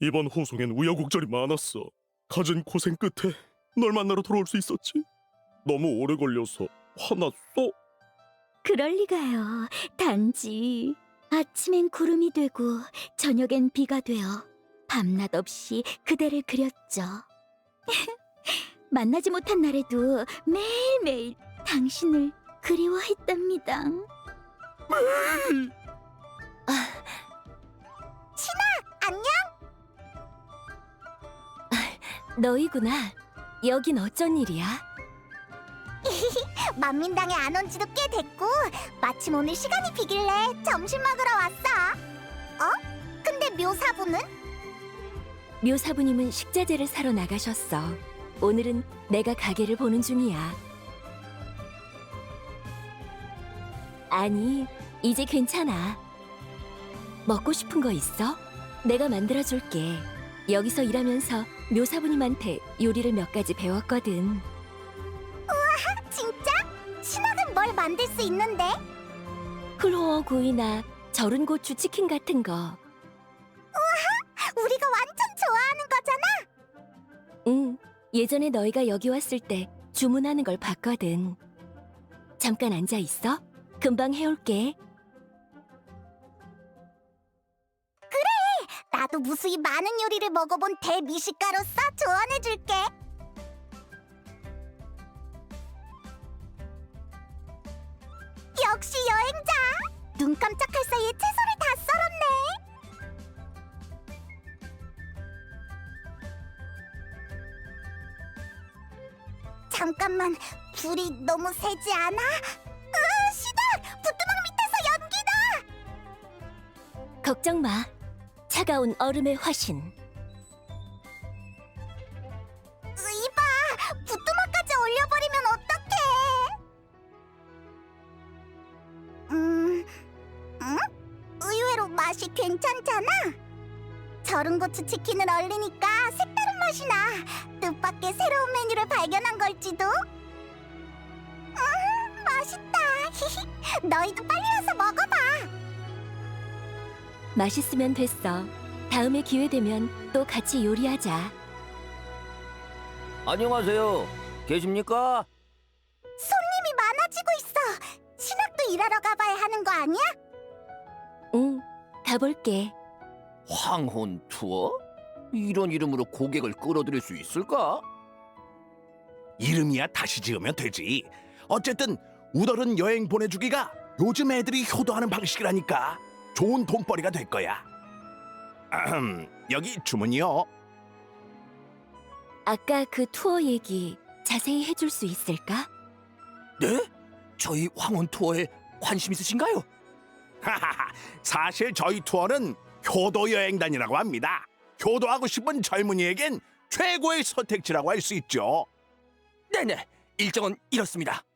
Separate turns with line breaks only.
이번 호송엔 우여곡절이 많았어. 가진 고생 끝에 널 만나러 돌아올 수 있었지. 너무 오래 걸려서 화났어.
그럴 리가요. 단지 아침엔 구름이 되고 저녁엔 비가 되어 밤낮 없이 그대를 그렸죠. 만나지 못한 날에도 매일매일 당신을 그리워했답니다.
안녕?
너희구나. 여긴 어쩐 일이야?
만민당에 안 온 지도 꽤 됐고 마침 오늘 시간이 비길래 점심 먹으러 왔어. 근데 묘사부는?
묘사부님은 식자재를 사러 나가셨어. 오늘은 내가 가게를 보는 중이야. 아니, 이제 괜찮아. 먹고 싶은 거 있어? 내가 만들어줄게. 여기서 일하면서 묘사부님한테 요리를 몇 가지 배웠거든.
진짜? 신학은 뭘 만들 수 있는데?
클로어 구이나 절은 고추 치킨 같은 거.
우리가 완전 좋아하는 거잖아.
응, 예전에 너희가 여기 왔을 때 주문하는 걸 봤거든. 잠깐 앉아 있어. 금방 해올게.
나도 무수히 많은 요리를 먹어본 대미식가로서 조언해줄게. 역시 여행자! 눈 깜짝할 사이에 채소를 다 썰었네. 잠깐만, 불이 너무 세지 않아? 시작! 부뚜막 밑에서 연기다!
걱정 마. 차가운 얼음의 화신.
이봐! 부뚜막까지 올려버리면 어떡해! 응? 의외로 맛이 괜찮잖아? 절은 고추 치킨을 얼리니까 색다른 맛이 나. 뜻밖의 새로운 메뉴를 발견한 걸지도? 맛있다. 너희도 빨리 와서 먹어봐.
맛있으면 됐어. 다음에 기회 되면 또 같이 요리하자.
안녕하세요. 계십니까?
손님이 많아지고 있어. 신학도 일하러 가봐야 하는 거 아니야?
응, 가볼게.
황혼 투어? 이런 이름으로 고객을 끌어들일 수 있을까?
이름이야 다시 지으면 되지. 어쨌든 우덜은 여행 보내주기가 요즘 애들이 효도하는 방식이라니까. 좋은 돈벌이가 될 거야. 여기 주문이요.
아까 그 투어 얘기 자세히 해줄 수 있을까?
네? 저희 황혼 투어에 관심 있으신가요?
사실 저희 투어는 효도 여행단이라고 합니다. 효도하고 싶은 젊은이에겐 최고의 선택지라고 할 수 있죠.
네네. 일정은 이렇습니다.